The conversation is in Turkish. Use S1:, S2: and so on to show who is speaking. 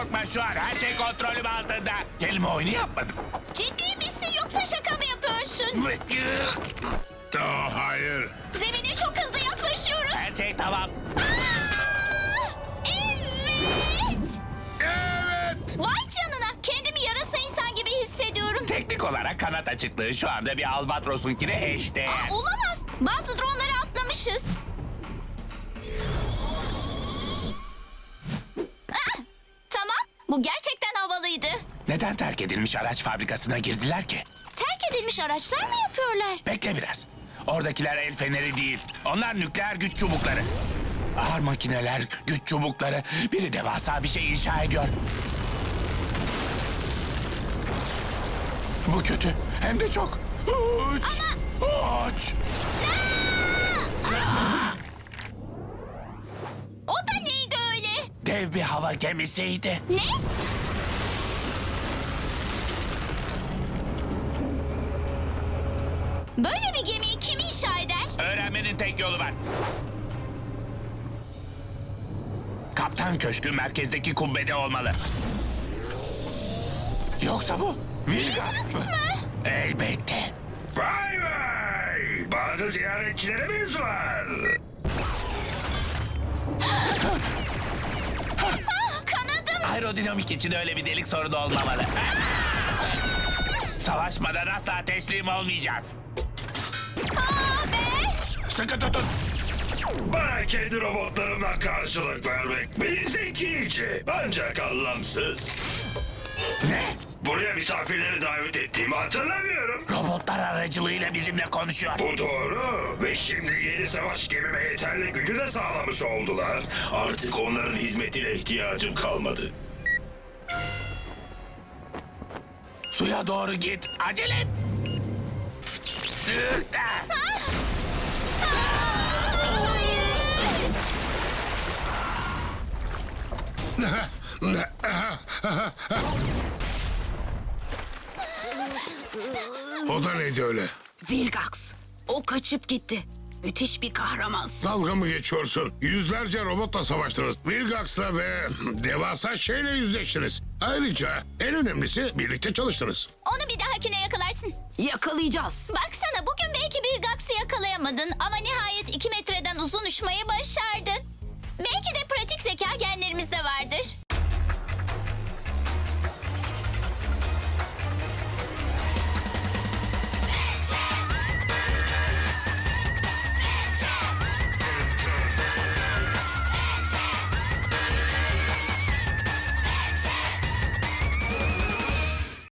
S1: korkma şu an. Her şey kontrolüm altında. Kelime oyunu yapmadım.
S2: Ciddi misin yoksa şaka mı yapıyorsun?
S3: Oh, hayır.
S2: Zemine çok hızlı yaklaşıyoruz.
S1: Her şey tamam.
S2: Evet.
S3: Evet.
S2: Vay canına. Kendimi yarasa insan gibi hissediyorum.
S1: Teknik olarak kanat açıklığı şu anda bir albatrosunkine eşdeğer.
S2: Olamaz. Bazı dronları atlamışız. Tamam. Bu gerçekten havalıydı.
S1: Neden terk edilmiş araç fabrikasına girdiler ki?
S2: Terk edilmiş araçlar mı yapıyorlar?
S1: Bekle biraz. Oradakiler el feneri değil. Onlar nükleer güç çubukları. Ağır makineler, güç çubukları. Biri devasa bir şey inşa ediyor. Bu kötü. Hem de çok. Uç. Uç.
S2: O da neydi öyle?
S1: Dev bir hava gemisiydi.
S2: Ne? Böyle bir gemiyi kim inşa eder?
S1: Öğrenmenin tek yolu var. Kaptan köşkü merkezdeki kubbede olmalı. Yoksa bu Vilgax mı? Elbette.
S3: Vay vay. Bazı ziyaretçilerimiz var.
S2: Kanadım.
S1: Aerodinamik için öyle bir delik sorunu olmamalı. Savaşmadan asla teslim olmayacağız.
S2: Be.
S1: Sıkı tutun.
S3: Bana kendi robotlarımla karşılık vermek bir zekice ancak anlamsız.
S1: Ne?
S3: Buraya misafirleri davet ettiğimi hatırlamıyorum.
S1: Robotlar aracılığıyla bizimle konuşuyor.
S3: Bu doğru ve şimdi yeni savaş gemime yeterli gücü de sağlamış oldular. Artık onların hizmetine ihtiyacım kalmadı.
S1: Suya doğru git. Acele et.
S3: O da neydi öyle?
S4: Vilgax. O kaçıp gitti. Müthiş bir kahramansın.
S3: Dalga mı geçiyorsun? Yüzlerce robotla savaştınız. Vilgax'la ve devasa şeyle yüzleştiniz. Ayrıca en önemlisi birlikte çalıştınız.
S2: Onu bir dahakine yakalarsın.
S4: Yakalayacağız.
S2: Baksana bugün belki bir Gax'ı yakalayamadın ama nihayet 2 metreden uzun uçmayı başardın.